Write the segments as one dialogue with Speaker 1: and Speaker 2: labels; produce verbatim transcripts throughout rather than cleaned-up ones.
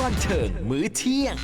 Speaker 1: บันเทิงมื้อเที่ยง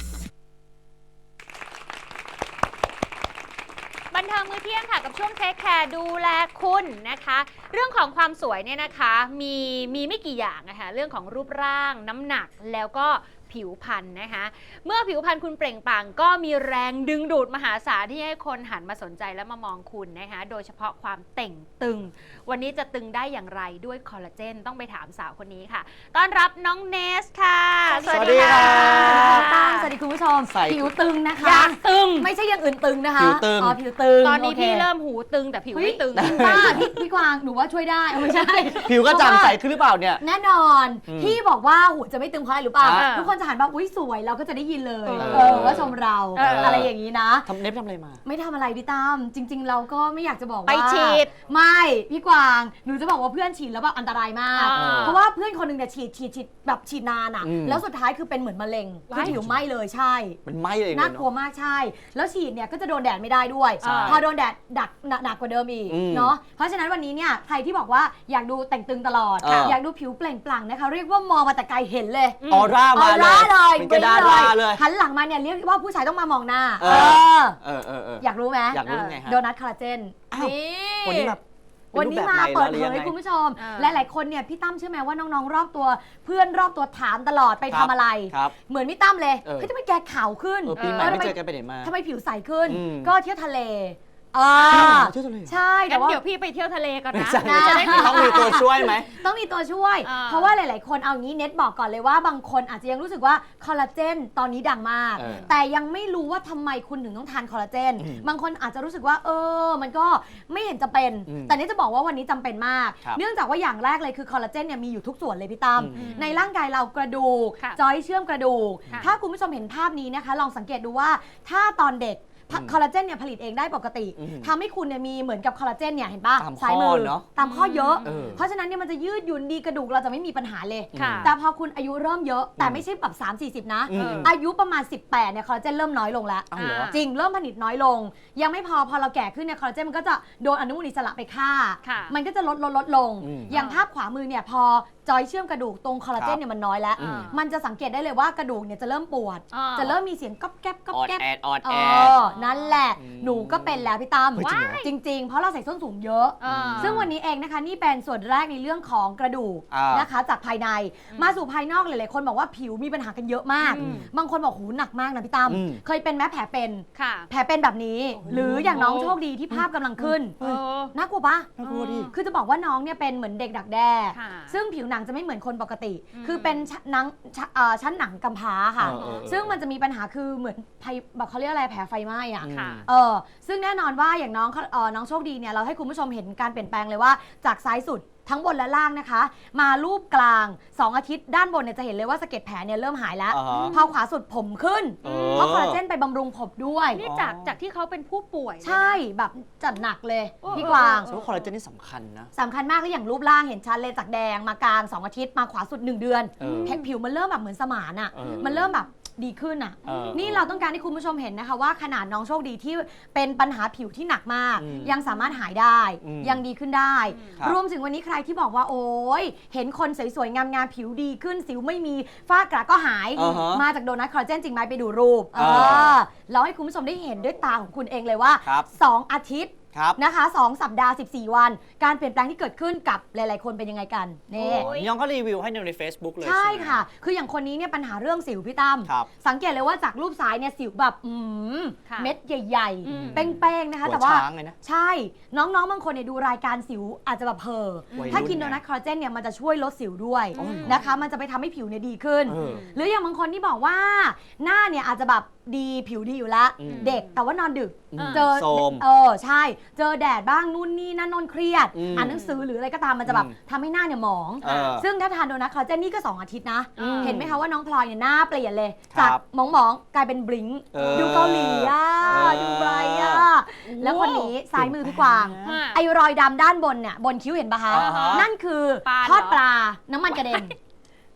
Speaker 2: บันเทิงมื้อเที่ยงค่ะกับช่วงเทคแคร์ดูแลคุณนะคะเรื่องของความสวยเนี่ยนะคะมีมีไม่กี่อย่างนะคะเรื่องของรูปร่างน้ำหนักแล้วก็ผิวพรรณนะคะเมื่อผิวพรรณคุณเปล่งปลั่งก็มีแรงดึงดูดมหาศาลที่ให้คนหันมาสนใจและมามองคุณนะคะโดยเฉพาะความเต่งตึงวันนี้จะตึงได้อย่างไรด้วยคอลลาเจนต้องไปถามสาวคนนี้ค่ะต้อนรับน้องเนสค่ะ
Speaker 3: สวัสดีค่ะ
Speaker 4: สวัสดีคุณผู้ชมผิวตึงนะคะ
Speaker 2: อยากตึง
Speaker 4: ไม่ใช่อย่างอื่นตึงนะคะ
Speaker 3: ผิวตึง
Speaker 4: อ๋อผิวตึง
Speaker 2: ตอนนี้พี่เริ่มหูตึงแต่ผิวไม่ตึง
Speaker 4: ป้าพี่พี่กวางหนูว่าช่วยได้ไม่ใช่
Speaker 3: ผิวก็จางใสขึ้นหรือเปล่าเนี่ย
Speaker 4: แน่นอนพี่บอกว่าหูจะไม่ตึงเพราะอะไรหรือเปล่าทุกคนจะหันมาอุ้ยสวยเราก็จะได้ยินเลยเออว่าชมเราอะไรอย่างนี้นะ
Speaker 3: ทำเน็บทำอะไรมา
Speaker 4: ไม่ทำอะไรพี่ตั้มจริงๆเราก็ไม่อยากจะบอกว่า
Speaker 2: ไปฉีด
Speaker 4: ไม่พี่กวางหนูจะบอกว่าเพื่อนฉีดแล้วแบบอันตรายมากเพราะว่าเพื่อนคนหนึ่งเนี่ยฉีดฉีดฉีดแบบฉีดนานอ่ะแล้วสุดท้ายคือเป็นเหมือนมะเร็งคือผิวไหม้เลยใช่
Speaker 3: มันไหม้เลย
Speaker 4: น่ากลัวมากใช่แล้วฉีดเนี่ยก็จะโดนแดดไม่ได้ด้วยพอโดนแดดดักหนักกว่าเดิมอีกเนาะเพราะฉะนั้นวันนี้เนี่ยใครที่บอกว่าอยากดูแต่งตึงตลอดอยากดูผิวเปล่งปลั่งนะคะเรียกว่ามองมาแต่ไกลเห็นเลย
Speaker 3: ออร่ามาเลย
Speaker 4: เป็นกระดาษเลยหันหลังมาเนี่ยเรียกว่าผู้ชายต้องมามองหน้าเออเออเอออยากรู้ไหม
Speaker 3: อยากรู้ไงฮะ
Speaker 4: โดนัทคอลลาเจน
Speaker 3: นี่วันนี้แบบ
Speaker 4: วันนี้มาเปิดเผยคุณผู้ชมหลายๆคนเนี่ยพี่ตั้มเชื่อไหมว่าน้องๆรอบตัวเพื่อนรอบตัวถามตลอดไปทำอะไรเหมือนพี่ตั้มเลยเฮ้ยทำไมแกขาวขึ้น
Speaker 3: ปีใหม่ไม่เจอกันไปไหนมา
Speaker 4: ทำไมผิวใสขึ้นก็เที่ยวทะเลอ่าใช่
Speaker 2: แต่ว่าเดี๋ยวพี่ไปเที่ยวทะเลก่อนนะ
Speaker 3: จะได้ต้องมีตัวช่วยไหม
Speaker 4: ต้องมีตัวช่วยเพราะว่าหลายๆคนเอางี้เน็ตบอกก่อนเลยว่าบางคนอาจจะยังรู้สึกว่าคอลลาเจนตอนนี้ดังมากแต่ยังไม่รู้ว่าทำไมคุณถึงต้องทานคอลลาเจนบางคนอาจจะรู้สึกว่าเออมันก็ไม่เห็นจะเป็นแต่นี่จะบอกว่าวันนี้จำเป็นมากเนื่องจากว่าอย่างแรกเลยคือคอลลาเจนเนี่ยมีอยู่ทุกส่วนเลยพี่ตั้มในร่างกายเรากระดูกจอยเชื่อมกระดูกถ้าคุณผู้ชมเห็นภาพนี้นะคะลองสังเกตดูว่าถ้าตอนเด็กคอลลาเจนเนี่ยผลิตเองได้ปกติทำให้คุณเนี่ยมีเหมือนกับคอลลาเจนเนี่ยเห็นป่ะ
Speaker 3: ซ้าย
Speaker 4: มือตามข้อเยอะ
Speaker 3: เ
Speaker 4: พราะฉะนั้นเนี่ยมันจะยืดหยุ่นดีกระดูกเราจะไม่มีปัญหาเลยแต่พอคุณอายุเริ่มเยอะแต่ไม่ใช่แบบสามสี่สิบนะอายุประมาณสิบแปดเนี่ยคอลลาเจนเริ่มน้อยลงแล้วจริงเริ่มผลิตน้อยลงยังไม่พอพอเราแก่ขึ้นเนี่ยคอลลาเจนมันก็จะโดนอนุมูลอิสระไปฆ่ามันก็จะลดลดลดลงอย่างภาพขวามือเนี่ยพอจอยเชื่อมกระดูกตรงคอลลาเจนเนี่ยมันน้อยแล้วมันจะสังเกตได้เลยว่ากระดูกเนี่ยจะเริ่มปวดจะเริ่มมีเสียงก๊อบแก๊บก๊อบแก๊บ
Speaker 3: ออดแอด
Speaker 4: นั่นแหละหนูก็เป็นแล้วพี่ตั้มจริงๆเพราะเราใส่ส้นสูงเยอะซึ่งวันนี้เองนะคะนี่เป็นส่วนแรกในเรื่องของกระดูกนะคะจากภายในมาสู่ภายนอกหลายๆคนบอกว่าผิวมีปัญหากันเยอะมากบางคนบอกหูหนักมากนะพี่ตั้มเคยเป็นแม้แผลเป็นแผลเป็นแบบนี้หรืออย่างน้องโชคดีที่ภาพกำลังขึ้นน่ากลัวปะ
Speaker 3: น่ากลัวดิ
Speaker 4: คือจะบอกว่าน้องเนี่ยเป็นเหมือนเด็กดักแด้ซึ่งผิวหนังจะไม่เหมือนคนปกติคือเป็นหนังชั้นหนังกำพร้าค่ะซึ่งมันจะมีปัญหาคือเหมือนแบบเขาเรียกอะไรแผลไฟไหม้อ่ะเออซึ่งแน่นอนว่าอย่างน้องน้องโชคดีเนี่ยเราให้คุณผู้ชมเห็นการเปลี่ยนแปลงเลยว่าจากซ้ายสุดทั้งบนและล่างนะคะมารูปกลางสองอาทิตย์ด้านบนเนี่ยจะเห็นเลยว่าสะเก็ดแผลเนี่ยเริ่มหายแล้วพอขวาสุดผมขึ้นเพราะคอลลาเจนไปบำรุงผมด้วย
Speaker 2: นี่จากจากที่เขาเป็นผู้ป่วย
Speaker 4: ใช่แบบจัดหนักเลยพี่กวาง
Speaker 3: เพราะคอลลาเจนนี่สำคัญนะ
Speaker 4: สำคัญมากแล้วอย่างรูปร่างเห็นชัดเลยจากแดงมากลางสองอาทิตย์มาขวาสุดหนึ่งเดือนผิวมันเริ่มแบบเหมือนสมานอ่ะมันเริ่มแบบดีขึ้นอ่ะนี่เราต้องการให้คุณผู้ชมเห็นนะคะว่าขนาดน้องโชคดีที่เป็นปัญหาผิวที่หนักมากยังสามารถหายได้ยังดีขึ้นได้รวมถึงวันนี้ใครที่บอกว่าโอ้ยเห็นคนสวยๆงามๆผิวดีขึ้นสิวไม่มีฝ้ากระก็หายมาจากโดนัทคอลลาเจนจริงไหมไปดูรูปเราให้คุณผู้ชมได้เห็นด้วยตาของคุณเองเลยว่าสองอาทิตย์นะคะสองสัปดาห์สิบสี่วันการเปลี่ยนแปลงที่เกิดขึ้นกับหลายๆคนเป็นยังไงกันนี่
Speaker 3: น้องก็รีวิวให้ใน Facebook เลย
Speaker 4: ใช่ค่ะคืออย่างคนนี้เนี่ยปัญหาเรื่องสิวพี่ตั้มสังเกตเลยว่าจากรูปซ้ายเนี่ยสิวแบบเม็ดใหญ่ๆเป้งๆนะคะแต่ว่าใช่น้องๆบางคนเนี่ยดูรายการสิวอาจจะแบบเพ้อถ้ากินโดนัทคอลลาเจนเนี่ยมันจะช่วยลดสิวด้วยนะคะมันจะไปทำให้ผิวเนี่ยดีขึ้นหรืออย่างบางคนที่บอกว่าหน้าเนี่ยอาจจะแบบดีผิวดีอยู่แล้วเด็กแต่ว่านอนดึกเจอเออใช่เจอแดดบ้างนู่นนี่นั่นนนเครียดอ่านหนังสือหรืออะไรก็ตามมันจะแบบทำให้หน้าเนี่ยหมองซึ่งถ้าทานโดนัทคอลลาเจนนี่ก็สองอาทิตย์นะเห็นไหมคะว่าน้องพลอยเนี่ยหน้าเปลี่ยนเลยจากหมองๆกลายเป็นบลิงดูเกาหลีอ่ะดูไบรท์อ่ะแล้วคนนี้ซ้ายมือพี่กวางไอ้รอยดำด้านบนเนี่ยบนคิ้วเห็นปะคะนั่นคือทอดปลาน้ำมันกระเด็น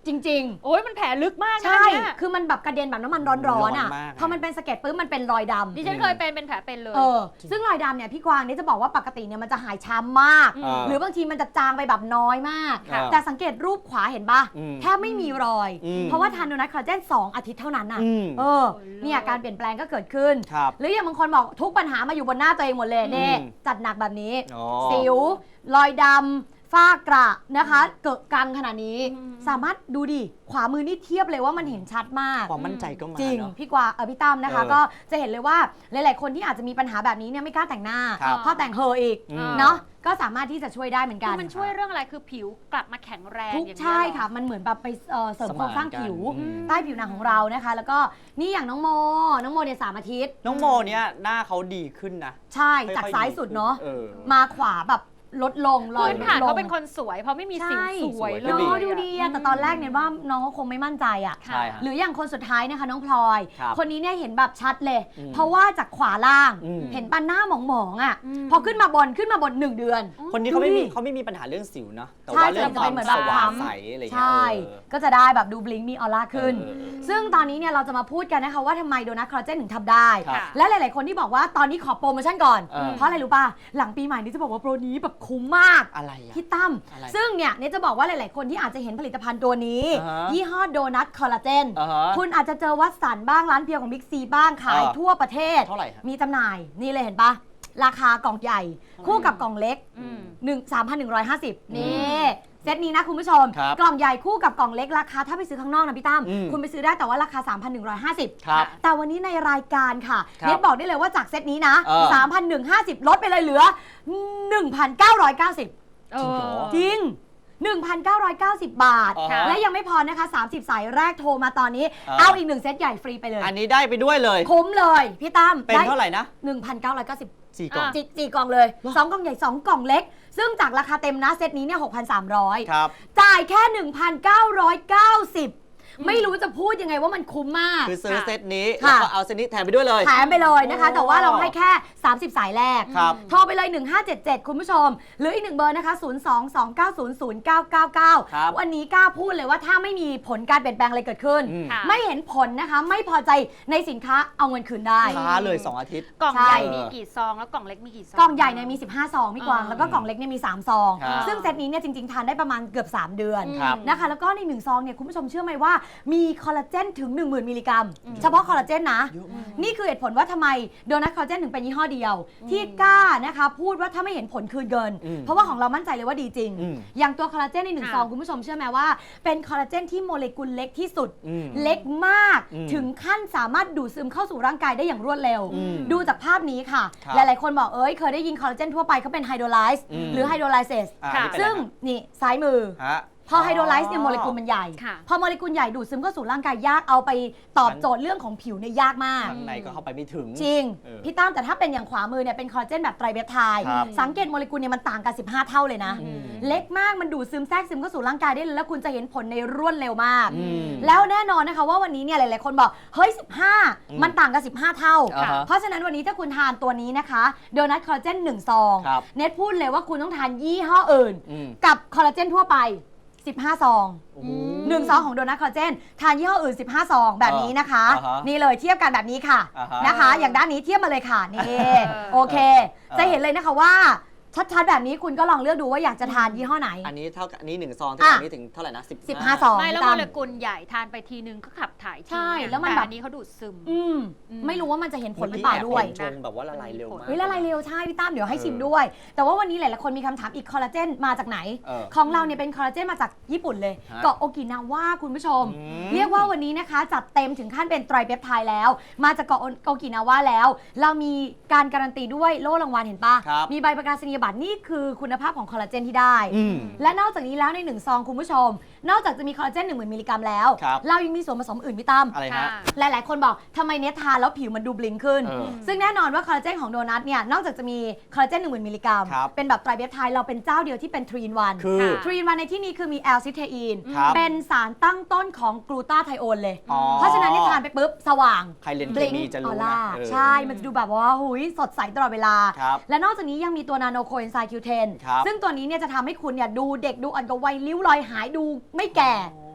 Speaker 4: จริง
Speaker 2: โอ้ยมันแผลลึกมาก
Speaker 4: ๆ
Speaker 2: นะ
Speaker 4: ใช่
Speaker 2: เนี่ย
Speaker 4: คือมันแบบกระเด็นแบบน้ำมันร้อนๆอ่ะ
Speaker 3: ร้อนมากนะ
Speaker 4: พอมันเป็นสะเก็ดปุ๊บมันเป็นรอยดำ
Speaker 2: ดิฉันเคยเป็นเป็นแผลเป็นเลย
Speaker 4: เออซึ่งรอยดำเนี่ยพี่กวางเนี่ยจะบอกว่าปกติเนี่ยมันจะหายช้ำมาก
Speaker 2: อืม
Speaker 4: หรือบางทีมันจะจางไปแบบน้อยมาก
Speaker 3: ค่ะ
Speaker 4: แต่สังเกตรูปขวาเห็นปะ
Speaker 3: อืม
Speaker 4: แทบไม่มีรอย
Speaker 3: อืม
Speaker 4: เพราะว่าทานโดนัทคอลลาเจนสองอาทิตย์เท่านั้นน่ะ
Speaker 3: อืม
Speaker 4: เออ
Speaker 2: โอ้ย
Speaker 4: เนี่ยการเปลี่ยนแปลงก็เกิดขึ้น
Speaker 3: ครับ
Speaker 4: หรืออย่างบางคนบอกทุกปัญหามาอยู่บนหน้าตัวเองหมดเลยเน่
Speaker 3: อืม
Speaker 4: จัดหนักแบบนี้
Speaker 3: อ๋อ
Speaker 4: สิว รอยดำฝ้ากระนะคะเกิดกังขนาดนี้
Speaker 2: อืม
Speaker 4: สามารถดูดิขวามือนี่เทียบเลยว่ามันเห็นชัดมาก
Speaker 3: ความมั่นใจก็มา
Speaker 4: จริง
Speaker 3: เนาะ
Speaker 4: พี่กวางเออพี่ตั้มนะคะ
Speaker 3: เออ
Speaker 4: ก็จะเห็นเลยว่าหลาย ๆ คนที่อาจจะมีปัญหาแบบนี้เนี่ยไม่กล้าแต่งหน้า
Speaker 3: ครับ
Speaker 4: เพราะแต่งเฮออีก
Speaker 3: อืม
Speaker 4: เนาะก็สามารถที่จะช่วยได้เหมือนกั
Speaker 2: คื
Speaker 4: น
Speaker 2: อมันช่วยเรื่องอะไรคือผิวกลับมาแข็งแรง
Speaker 4: ทุก
Speaker 2: อย่างนี้ย
Speaker 4: ใช่
Speaker 2: เหรอ
Speaker 4: ค่ะ มันเหมือนแบบไปเอ่อเสริมโครงสร้างผิว
Speaker 3: สมานกันอืม
Speaker 4: ใต้ผิวหนังของเรานะคะ แล้วก็นี่อย่างน้องโม น้องโมเนี่ยสามอาทิตย์
Speaker 3: น้องโมเนี่ยหน้าเขาดีขึ้นนะ
Speaker 4: ใช่
Speaker 3: ค่อๆ
Speaker 4: จากซ้ายสุดเนาะ
Speaker 3: เออ
Speaker 4: มาขวาแบบลดลงรอย
Speaker 2: พื้น
Speaker 4: ลด
Speaker 2: ฐาน
Speaker 4: ลง
Speaker 2: เขาเป็นคนสวยเพราะไม่มีสิว
Speaker 4: ใช่
Speaker 2: สวย
Speaker 3: สวย
Speaker 2: เล
Speaker 3: ก็
Speaker 2: ย
Speaker 3: ดี
Speaker 4: เนาะดูดีอะแต่ตอนแรกเนี่ยว่าน้องก็คงไม่มั่นใจอะ
Speaker 3: ใช่ฮะ
Speaker 4: หรืออย่างคนสุดท้ายนะคะน้องพลอย
Speaker 3: ครับ
Speaker 4: คนนี้เนี่ยเห็นแบบชัดเลย
Speaker 3: อืม
Speaker 4: เพราะว่าจากขวาล่าง
Speaker 3: อืม
Speaker 4: เห็นปันหน้าหมองๆอ่ะ
Speaker 2: อืม
Speaker 4: พอขึ้นมาบนขึ้นมาบนหนึ่งเดือน
Speaker 3: คนนี้เขาไม่มี
Speaker 4: ดูดิ
Speaker 3: เขาไม่มีปัญหาเรื่องสิวเนาะแต่
Speaker 4: ใช่
Speaker 3: ว่าเรื่อง
Speaker 4: จะ
Speaker 3: ค
Speaker 4: เป็
Speaker 3: วาน ม
Speaker 4: เหมือน
Speaker 3: ส
Speaker 4: แบบ
Speaker 3: ว่าง
Speaker 4: คล้ำ
Speaker 3: ใสอะไรอย่างเงี้ย
Speaker 4: ใช่
Speaker 3: เออ
Speaker 4: ก็จะได้แบบดูบลิงก์มีออร่าขึ้น
Speaker 3: เออเออ
Speaker 4: ซึ่งตอนนี้เนี่ยเราจะมาพูดกันนะคะว่าทำไมโดนัทคอลลาเจนถึงทำได้
Speaker 3: ครับ
Speaker 4: และหลาย ๆ คนที่บอกว่าตอนนี้ขอโปรโมชั่นก่อน
Speaker 3: เออ
Speaker 4: เพราะอะไรรู้ป่ะ หลังปีใหม่นี้จะบอกว่าโปรนี้แบบคุ้มมาก
Speaker 3: อะไรอะ
Speaker 4: พี่ตั้ม
Speaker 3: อะไร
Speaker 4: ซึ่งเนี่ยเนี่ยจะบอกว่าหลาย ๆ คนที่อาจจะเห็นผลิตภัณฑ์ตัวนี้
Speaker 3: อ่าฮะ
Speaker 4: ยี่ห้อโดนัทคอลลาเจน
Speaker 3: อ่าฮะ
Speaker 4: คุณอาจจะเจอวัดสันบ้างร้านเพียวของบิ๊กซีบ้างขาย
Speaker 3: อ่า
Speaker 4: ทั่วประเทศ
Speaker 3: เท่าไหร่ฮะ
Speaker 4: มีจำหน่ายนี่เลยเห็นปะราคากล่องใหญ่ คู่กับกล่องเล็ก
Speaker 2: อืม
Speaker 4: หนึ่ง สามพันหนึ่งร้อยห้าสิบ นี่เซตนี้นะคุณผู้ชม
Speaker 3: ครับ
Speaker 4: กล่องใหญ่คู่กับกล่องเล็กราคาถ้าไปซื้อข้างนอกนะพี่ตั้ม
Speaker 3: อืม
Speaker 4: คุณไปซื้อได้แต่ว่าราคา สามพันหนึ่งร้อยห้าสิบ
Speaker 3: ครับ
Speaker 4: แต่วันนี้ในรายการค่ะ
Speaker 3: ครับ
Speaker 4: เน็ตบอกได้เลยว่าจากเซตนี้นะ
Speaker 3: เออ
Speaker 4: สามพันหนึ่งร้อยห้าสิบ ลดไปเลยเหลือ หนึ่งพันเก้าร้อยเก้าสิบ
Speaker 2: เอ
Speaker 3: จริงเหร
Speaker 2: อ
Speaker 3: อ
Speaker 4: จริง หนึ่งพันเก้าร้อยเก้าสิบ บาท
Speaker 3: อ่าฮะ
Speaker 4: และยังไม่พอนะคะ สามสิบ สายแรกโทรมาตอนนี้
Speaker 3: เออ
Speaker 4: เอาอีกหนึ่งเซตใหญ่ฟรีไปเลย
Speaker 3: อันนี้ได้ไปด้วยเลย
Speaker 4: คุ้มเลยพี่ตั้ม
Speaker 3: เป็นเท่าไหร่นะ
Speaker 4: หนึ่งพันเก้าร้อยเก้าสิบ
Speaker 3: สี่กล่อง
Speaker 4: จีจีกล่องเลยสองกล่องใหญ่สองกล่องเล็ก ซึ่งจากราคาเต็มนะเซตนี้เนี่ยหกพันสามร้อย
Speaker 3: ครับ
Speaker 4: จ่ายแค่ หนึ่งพันเก้าร้อยเก้าสิบ ไม่รู้จะพูดยังไงว่ามันคุ้มมาก
Speaker 3: คือซื้อ
Speaker 2: ค่ะ
Speaker 3: เซตนี้
Speaker 4: ค่ะ
Speaker 3: แล้วก็เอาเซตนี้แถมไปด้วยเลย
Speaker 4: แถมไปเลยนะคะ
Speaker 3: โอ้
Speaker 4: แต่ว่าเราให้แค่ สามสิบ สายแรก
Speaker 3: ครับ
Speaker 4: โทรไปเลย หนึ่งห้าเจ็ดเจ็ด คุณผู้ชม หรืออีกหนึ่งเบอร์นะคะ ศูนย์ สอง สอง เก้า ศูนย์ ศูนย์ เก้า เก้า เก้า
Speaker 3: ครับ
Speaker 4: วันนี้กล้าพูดเลยว่าถ้าไม่มีผลการเปลี่ยนแปลงอะไรเกิดขึ้น
Speaker 3: อืม
Speaker 2: ค่ะ
Speaker 4: ไม่เห็นผลนะคะ ไม่พอใจในสินค้าเอาเงินคืนได้
Speaker 3: ช้าเลยสองอาทิตย์
Speaker 2: กล่อง
Speaker 4: ใช่
Speaker 2: ใหญ่มีกี่ซองแล้วกล่องเล็กมีกี่ซอง
Speaker 4: กล่องใหญ่เนี่ยมี สิบห้า ซองพี่กวาง
Speaker 2: อ่า
Speaker 4: แล้วก็กล่องเล็กเนี่ยมี สาม ซอง
Speaker 3: ครับ
Speaker 4: ซึ่งเซตนี้เนี่ยจริง ๆ ทานได้ประมาณเกือบ สาม เดือน
Speaker 3: ครับ
Speaker 4: นะคะ แล้วก็ในหนึ่งซองเนี่ยคุณผู้ชมเชื่อไหมว่ามีคอลลาเจนถึง หนึ่งหมื่น มิลลิกรัม
Speaker 2: อืม
Speaker 4: เฉพาะคอลลาเจนนะ
Speaker 3: เยอะมาก
Speaker 4: นี่คือเหตุผลว่าทำไมโดนัทคอลลาเจนถึงเป็นยี่ห้อเดียว ที่กล้านะคะพูดว่าถ้าไม่เห็นผลคืนเกิน
Speaker 3: อืม
Speaker 4: เพราะว่าของเรามั่นใจเลยว่าดีจริง
Speaker 3: อืม
Speaker 4: อย่างตัวคอลลาเจนในหนึ่ง
Speaker 2: ค่ะ
Speaker 4: ซองคุณผู้ชมเชื่อไหมว่าเป็นคอลลาเจนที่โมเลกุลเล็กที่สุด
Speaker 3: อืม
Speaker 4: เล็กมาก
Speaker 3: อืม
Speaker 4: ถึงขั้นสามารถดูดซึมเข้าสู่ร่างกายได้อย่างรวดเร็ว
Speaker 3: อืม
Speaker 4: ดูจากภาพนี้ค่ะ
Speaker 3: ครับ
Speaker 4: หลาย ๆ คนบอกเอ้ยเคยได้ยินคอลลาเจนทั่วไปเขาเป็นไฮโดรไลซ์
Speaker 3: อืม
Speaker 4: หรือไฮโดรไลเซส
Speaker 3: อ่า
Speaker 2: ค่ะ
Speaker 3: อันนี้เป็น
Speaker 4: ซึ่ง
Speaker 3: อะไร
Speaker 4: นี่ซ้ายมือ
Speaker 3: ฮะ
Speaker 4: พอไฮโดรไลซ์เนี่ยโมเลกุลมันใหญ่
Speaker 2: ค่ะ
Speaker 4: พอโมเลกุลใหญ่ดูดซึมเข้าสู่ร่างกายยากเอาไปตอบโจทย์เรื่องของผิวเนี่ยยากมาก
Speaker 3: ข้างในก็เข้าไปไม่ถึง
Speaker 4: จริง
Speaker 3: เออ
Speaker 4: พี่ตั้มแต่ถ้าเป็นอย่างขวามือเนี่ยเป็นคอลลาเจนแบบไตรเปปไทด์
Speaker 3: ครับ
Speaker 4: สังเกตโมเลกุลเนี่ยมันต่างกัน สิบห้า เท่าเลยนะ
Speaker 3: อืม
Speaker 4: เล็กมากมันดูดซึมแทรกซึมเข้าสู่ร่างกายได้เลยแล้วคุณจะเห็นผลในรวดเร็วมาก
Speaker 3: อืม
Speaker 4: แล้วแน่นอนนะคะว่าวันนี้เนี่ยหลาย ๆ คนบอก เฮ้ย สิบห้า
Speaker 3: อืม
Speaker 4: มันต่างกัน สิบห้า เท่า
Speaker 3: อ่าฮะ
Speaker 4: เพราะฉะนั้นวันนี้ถ้าคุณทานตัวนี้นะคะโดนัทคอลลาเจนหนึ่งซอง
Speaker 3: ครับ
Speaker 4: เน็ตพูดเลยว่าคุณต้องทานยี่ห้ออื่น
Speaker 3: อืม
Speaker 4: กับคอลลาเจนทั่วไป สิบห้า ซอง
Speaker 3: โอ้โห
Speaker 4: หนึ่งซองของโดนัทคอลลาเจนทานยี่ห้ออื่น สิบห้า ซองแบบนี้นะคะ
Speaker 3: อ่าฮะ
Speaker 4: นี่เลยเทียบกันแบบนี้ค่ะ
Speaker 3: อ่าฮะ
Speaker 4: นะคะ อย่างด้านนี้เทียบมาเลยค่ะนี่
Speaker 2: เออ
Speaker 4: โอเค
Speaker 3: เออ
Speaker 4: จะเห็นเลยนะคะว่าชัดๆแบบนี้คุณก็ลองเลือกดูว่าอยากจะทานยี่ห้อไหน
Speaker 3: อันนี้เท่ากับอันนี้หนึ่งซองที่
Speaker 4: อ่ะ
Speaker 3: อันนี้ถึงเท่าไหร่นะสิบ
Speaker 4: สิบห้า ซอง
Speaker 2: ไม่แล้ว
Speaker 4: พี่
Speaker 2: โม
Speaker 4: ตั้ม
Speaker 2: เลกุลใหญ่ทานไปทีนึงก็ขับถ่ายทิ้ง
Speaker 4: ใช่
Speaker 2: อะ
Speaker 4: แล้วมัน
Speaker 2: ต่
Speaker 4: แบบ
Speaker 2: อันนี้เขาดูดซึม
Speaker 4: อืม
Speaker 2: อืม
Speaker 4: ไม่รู้ว่ามันจะเห็นผลหรือเป
Speaker 3: เป
Speaker 4: ล่า
Speaker 3: ล่า
Speaker 4: ด้วย
Speaker 3: ชงแบบว่าละลายเร็วมาก
Speaker 4: เฮ้ยละลายเร็วใช่พี่ตั้มเดี๋ยวให้
Speaker 3: เออ
Speaker 4: ชิมด้วย แต่ว่าวันนี้หลายๆคนมีคำถามอีกคอลลาเจนมาจากไหน
Speaker 3: เออ
Speaker 4: ของเราเนี่ยเป็นคอลลาเจนมาจากญี่ปุ่นเลย
Speaker 3: ฮะ
Speaker 4: เกาะโอกินาว่าคุณผู้ชม
Speaker 3: อืม
Speaker 4: เรียกว่าวันนี้นะคะจัดเต็มถึงขั้นเป็นไตรเปปไทด์แล้ว มาจากเกาะโอกินาว่าแล้ว เรามีการการันตีด้วยโล่รางวัลเห็นปะ
Speaker 3: ครับ
Speaker 4: มีใบประกาศนียบัตรนี่คือคุณภาพของคอลลาเจนที่ได้
Speaker 3: อืม
Speaker 4: และนอกจากนี้แล้วในหนึ่งซองคุณผู้ชม นอกจากจะมีคอลลาเจนหนึ่งหมื่นมิลลิกรัมแล้ว
Speaker 3: ครับ
Speaker 4: เรายังมีส่วนผสมอื่นพี่ตั้ม
Speaker 3: อะไร
Speaker 2: ค่ะ
Speaker 3: ฮะ
Speaker 4: หลาย ๆ คนบอกทำไมเนททานแล้วผิวมันดูบลิงขึ้น
Speaker 3: เออ
Speaker 4: ซึ่งแน่นอนว่าคอลลาเจนของโดนัทเนี่ยนอกจากจะมีคอลลาเจนหนึ่งหมื่นมิลลิกรัม
Speaker 3: ครับ
Speaker 4: เป็นแบบไตรเปปไทด์เราเป็นเจ้าเดียวที่เป็นทรีนวัน
Speaker 3: คือ
Speaker 2: ค่ะ
Speaker 4: ทรีนวันในที่นี้คือมีแอลซิเทอีน
Speaker 3: ครับ
Speaker 4: เป็นสารตั้งต้นของกลูตาไทโอนเลย
Speaker 3: อ๋อ
Speaker 4: เพราะฉะนั้นนี่ทานไปปุ๊บ สว่าง
Speaker 3: ใครเรียนเค
Speaker 4: บลิง
Speaker 3: มีจะ
Speaker 4: อ
Speaker 3: รู้
Speaker 4: อ
Speaker 3: นะ
Speaker 4: ร่า
Speaker 3: เออ
Speaker 4: ใช่ มันจะดูแบบว่าหุยสดใสตลอดเวลา
Speaker 3: ครับ
Speaker 4: และนอกจากนี้ยังมีตัวนาโนโคเอนไซม์ คิว เท็น
Speaker 3: ครับ
Speaker 4: ซึ่งตัวนี้เนี่ยจะทำให้คุณเนี่ยดูเด็กดูอ่อนกว่าวัยริ้วรอยหายดูไม่แก่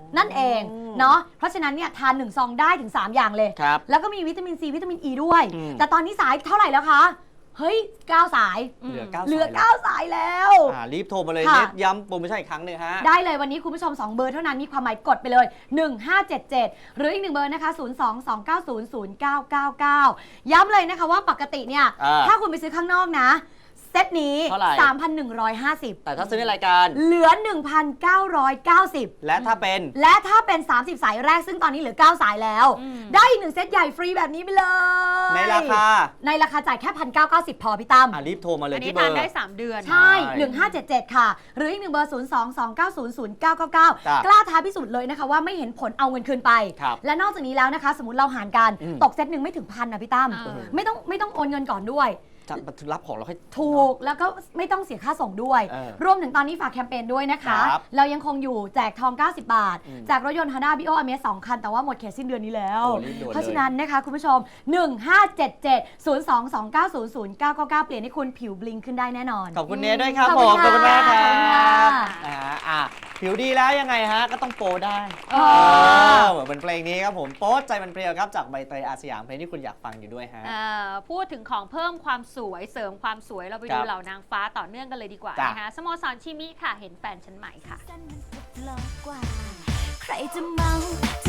Speaker 4: นั่นเองเนาะเพราะฉะนั้นเนี่ยทานหนึ่งซองได้ถึงสามอย่างเลย
Speaker 3: ครับ
Speaker 4: แล้วก็มีวิตามินซีวิตามินอีด้วย
Speaker 3: อืม
Speaker 4: แต่ตอนนี้สายเท่าไหร่แล้วคะเฮ้ยเก้าสาย
Speaker 3: เหลือเก้า
Speaker 4: เหลือ
Speaker 3: สาย
Speaker 4: เก้าสายแล้ว
Speaker 3: อ่ารีบโทรมาเลย
Speaker 4: ค่ะ
Speaker 3: เน็ตย้ำโปรโมชั่นอีกครั้งหนึ่งฮะ
Speaker 4: ได้เลยวันนี้คุณผู้ชมสองเบอร์เท่านั้นมีความหมายกดไปเลยหนึ่งห้าเจ็ดเจ็ดหรืออีกหนึ่งเบอร์นะคะศูนย์ สอง สอง เก้า ศูนย์ ศูนย์ เก้า เก้า เก้าย้ำเลยนะคะว่าปกติเนี่ย
Speaker 3: อ่า
Speaker 4: ถ้าคุณไปซื้อข้างนอกนะเซตนี้
Speaker 3: เท่าไหร่
Speaker 4: สามพันหนึ่งร้อยห้าสิบ
Speaker 3: แต่ถ้าซื้อในรายการ
Speaker 4: เหลือ หนึ่งพันเก้าร้อยเก้าสิบ
Speaker 3: และถ้าเป็น
Speaker 4: และถ้าเป็น สามสิบ สายแรกซึ่งตอนนี้เหลือ เก้า สายแล้ว
Speaker 2: อืม
Speaker 4: ได้อีกหนึ่งเซตใหญ่ฟรีแบบนี้ไปเลย
Speaker 3: ในราคา
Speaker 4: ในราคาจ่ายแค่ หนึ่งพันเก้าร้อยเก้าสิบ พอพี่ตั้ม
Speaker 3: อ่ารีบโทรมาเล
Speaker 2: อั
Speaker 3: ย
Speaker 2: นนี้
Speaker 3: ที่เบอ
Speaker 2: ทาน
Speaker 3: ร์
Speaker 2: ได้สามเดือน
Speaker 4: ใช่
Speaker 3: ใช่
Speaker 4: หนึ่งห้าเจ็ดเจ็ดค่ะ หรืออีกหนึ่งเบอร์ ศูนย์ สอง สอง เก้า ศูนย์ ศูนย์ เก้า เก้า เก้า
Speaker 3: ครับ
Speaker 4: กล้าท้าพิสูจน์เลยนะคะว่าไม่เห็นผลเอาเงินคืนไป
Speaker 3: ครับ
Speaker 4: และนอกจากนี้แล้วนะคะ สมมติเราหารกัน
Speaker 3: อืม
Speaker 4: ตกเซตหนึ่งไม่ถึงพันนะพี่ตั้ม
Speaker 2: เออ
Speaker 4: ไม่ต้องไม่ต้องโอนเงินก่อนด้วย
Speaker 3: จะรับของเราให้
Speaker 4: ถูกแล้วก็ไม่ต้องเสียค่าส่งด้วย
Speaker 3: เออ
Speaker 4: รวมถึงตอนนี้ฝากแคมเปญด้วยนะคะ
Speaker 3: ครับ
Speaker 4: เรายังคงอยู่แจกทอง เก้าสิบบาท
Speaker 3: อืม
Speaker 4: แจกรถยนต์ Honda บี โอ Amaze สองคัน แต่ว่าหมดเขตสิ้นเดือนนี้แล้ว
Speaker 3: โอ้รีบด่วนเลย
Speaker 4: เพราะฉะนั้นนะคะคุณผู้ชม หนึ่งห้าเจ็ดเจ็ด ศูนย์ สอง สอง เก้า ศูนย์ ศูนย์ เก้า เก้า เก้า เปลี่ยนให้คุณผิวบลิงขึ้นได้แน่นอน
Speaker 3: ขอบคุณเนทด้วยครับ
Speaker 4: ขอบ
Speaker 3: ผ
Speaker 4: คุ
Speaker 3: ม
Speaker 4: ณ
Speaker 3: ขอบคุณมากค
Speaker 4: ค่ะ
Speaker 3: รั
Speaker 4: ขอบคุณค่ะ
Speaker 3: บนะฮะอ่ะผิวดีแล้วยังไงฮะ ก็ต้องโปรได้
Speaker 4: เออ
Speaker 3: เออเหมือนเพลงนี้ครับผมโป๊ใจมันเปรี้ยวครับจากใบเตยอาสยามเพลงที่คุณอยากฟังอยู่ด้วยฮะ
Speaker 2: เอ่อพูดถึงของเพิ่มความสวยเสริมความสวยเราไป
Speaker 3: ครั
Speaker 2: ดู
Speaker 3: บ
Speaker 2: เหล่านางฟ้าต่อเนื่องกันเลยดีกว่า
Speaker 3: จ้ะ
Speaker 2: นะคะสโมสรชิมิค่ะเห็นแฟนฉันใหม่ค่ะ
Speaker 1: สั้นมันก็โลกกว่า ใครจะเมาจะ